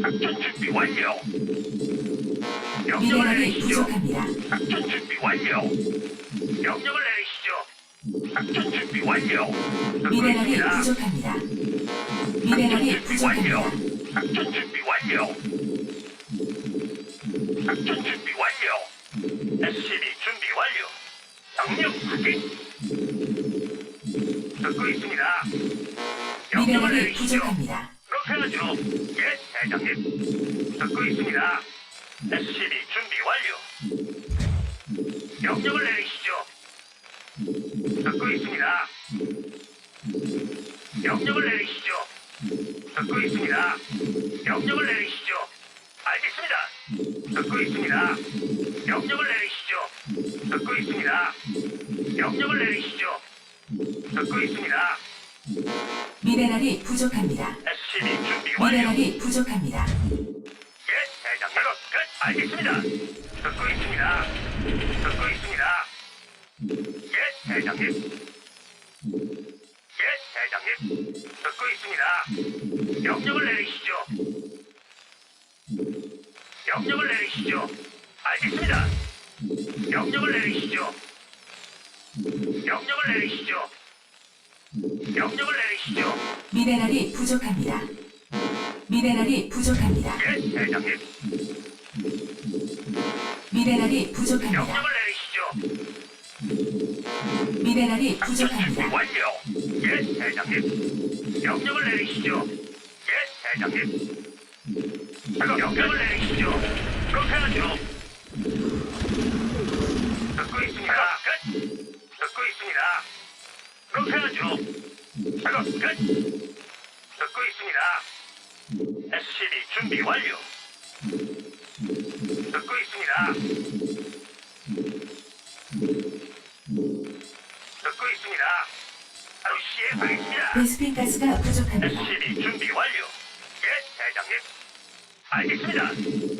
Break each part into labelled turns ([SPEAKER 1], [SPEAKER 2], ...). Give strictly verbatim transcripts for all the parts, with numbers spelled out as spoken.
[SPEAKER 1] 작전 준비 완료. 명령을
[SPEAKER 2] 미네랄이
[SPEAKER 1] 내리시죠.
[SPEAKER 2] 부족합니다.
[SPEAKER 1] 작전 준비 완료. 명령을 내리시죠. 작전 준비 완료. 듣고
[SPEAKER 2] 미네랄이
[SPEAKER 1] 있습니다.
[SPEAKER 2] 부족합니다. 미네랄이
[SPEAKER 1] 작전 준비 완료.
[SPEAKER 2] 부족합니다.
[SPEAKER 1] 작전 준비 완료. 작전 준비 완료. 에스씨비 준비 완료. 명령 확인. 듣고 있습니다. 명령을
[SPEAKER 2] 미네랄이
[SPEAKER 1] 내리시죠.
[SPEAKER 2] 부족합니다.
[SPEAKER 1] 그렇게 하죠. 예, 대장님. 듣고 있습니다. 에스씨비 준비 완료. 명령을 내리시죠. 듣고 있습니다. 명령을 내리시죠. 듣고 있습니다. 명령을 내리시죠. 알겠습니다. 듣고 있습니다. 명령을 내리시죠. 듣고 있습니다. 명령을 내리시죠. 듣고 있습니다.
[SPEAKER 2] 미네랄이 부족합니다.
[SPEAKER 1] 에스씨비 준비 완료.
[SPEAKER 2] 미네랄이 부족합니다.
[SPEAKER 1] 예, 대장님. 끝. 알겠습니다. 듣고 있습니다. 듣고 있습니다. 예, 대장님. 예, 대장님. 듣고 있습니다. 명령을 내리시죠. 명령을 내리시죠. 알겠습니다. 명령을 내리시죠. 명령을 내리시죠. 명령을 내리시죠.
[SPEAKER 2] 미네랄이 부족합니다. 미네랄이 부족합니다.
[SPEAKER 1] 예, 대장님.
[SPEAKER 2] 미네랄이 부족합니다.
[SPEAKER 1] 명령을 내리시죠.
[SPEAKER 2] 미네랄이
[SPEAKER 1] 작전 준비
[SPEAKER 2] 부족합니다.
[SPEAKER 1] 완료. 예, 대장님. 명령을 내리시죠. 예, 대장님. 작업 명령을 내리시죠. 그렇게 하죠. 듣고 있습니다. 끝. 듣고 있습니다. 그렇게 하죠. 작업 끝. 듣고 있습니다. 에스씨비 준비 완료. 듣고 있습니다. 듣고 있습니다. 바로 시행하겠습니다.
[SPEAKER 2] 베스핀 가스가 부족합니다.
[SPEAKER 1] 에스씨비 준비 완료. 예, 대장님. 알겠습니다.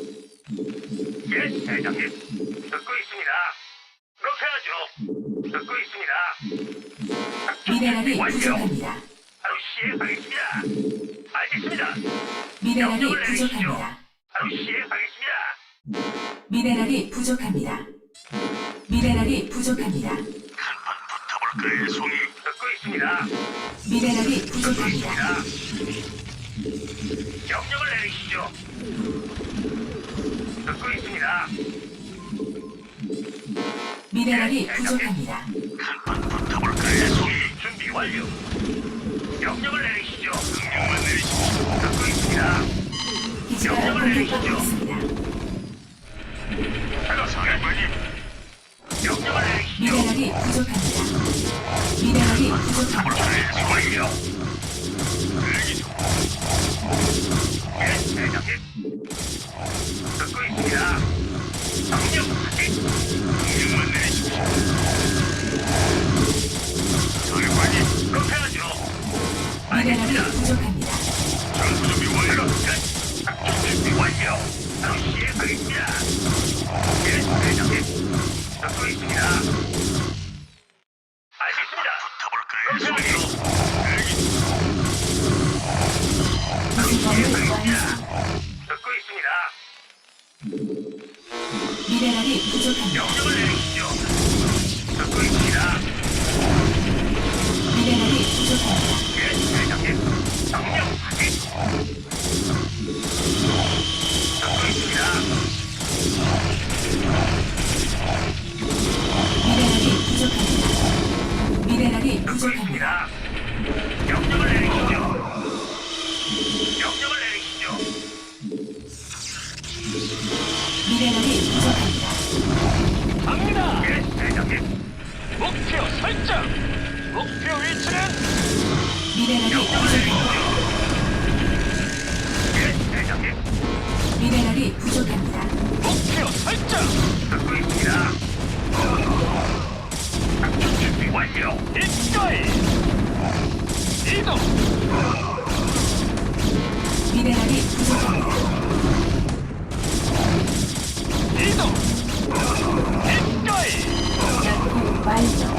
[SPEAKER 1] 예, 대장님. 듣고 있습니다. 그렇게 하죠. 듣고 있습니다. 작전
[SPEAKER 2] 미네랄이
[SPEAKER 1] 준비 완료.
[SPEAKER 2] 부족합니다.
[SPEAKER 1] 바로 시행하겠습니다. 알겠습니다.
[SPEAKER 2] 미네랄이
[SPEAKER 1] 명령을 내리시죠.
[SPEAKER 2] 부족합니다.
[SPEAKER 1] 바로 시행하겠습니다.
[SPEAKER 2] 미네랄이 부족합니다. 미네랄이 부족합니다.
[SPEAKER 1] 한판 붙어볼까요, 송이? 듣고 있습니다.
[SPEAKER 2] 미네랄이
[SPEAKER 1] 듣고
[SPEAKER 2] 부족합니다.
[SPEAKER 1] 있습니다. 명령을 내리시죠. 듣고 있습니다.
[SPEAKER 2] 미네랄이 부족합니다.
[SPEAKER 1] 한판 붙어볼까요, 송이? 준비 완료. 명령을 내리시죠. 명령만 내리시죠. 듣고 있습니다.
[SPEAKER 2] 기지가
[SPEAKER 1] 명령을
[SPEAKER 2] 공격받고
[SPEAKER 1] 내리시죠.
[SPEAKER 2] 있습니다.
[SPEAKER 1] 작업 사령관님. 명령을 내리시죠.
[SPEAKER 2] 미네랄이 부족합니다. 미네랄이 부족합니다.
[SPEAKER 1] 붙어볼까요, 완료. 대기 중. 예, 대장님. 듣고 있습니다. 명령 확인. 명령만 내리십시오. 사령관님, 그렇게 하죠.
[SPEAKER 2] 미네랄이
[SPEAKER 1] 알겠습니다.
[SPEAKER 2] 부족합니다.
[SPEAKER 1] 전투 준비 완료. 끝. 작전 준비 완료. 바로 시행하겠습니다. 예, 대장님. 듣고 있습니다. 알겠습니다. 붙어볼까요, 송이? 대기 중.
[SPEAKER 2] 구성범을 완성.
[SPEAKER 1] 듣고 있습니다.
[SPEAKER 2] 미네랄이 부족합니다.
[SPEAKER 1] 명령을 내리시죠. 듣고 있습니다.
[SPEAKER 2] 미네랄이 부족합니다.
[SPEAKER 1] 예, 대장님. 명령 확인. 듣고 있습니다.
[SPEAKER 2] 미네랄이 부족합니다. 미네랄이
[SPEAKER 1] 듣고
[SPEAKER 2] 부족합니다.
[SPEAKER 1] 있습니다. 명령을 내리시죠. 명령을 내리시죠.
[SPEAKER 2] 미네랄이 부족합니다.
[SPEAKER 3] 갑니다.
[SPEAKER 1] 예, 대장님.
[SPEAKER 3] 목표 설정. 목표 위치는
[SPEAKER 2] 미네랄이
[SPEAKER 1] 명령을
[SPEAKER 2] 부족합니다.
[SPEAKER 1] 내리시죠. 예, 대장님.
[SPEAKER 2] 미네랄이 부족합니다.
[SPEAKER 3] 목표 설정.
[SPEAKER 1] 듣고 있습니다. 작전 준비 완료.
[SPEAKER 3] 입가이 이동.
[SPEAKER 2] 미네랄이 부족합니다.
[SPEAKER 3] 이동. 입가이
[SPEAKER 2] 연구 완료.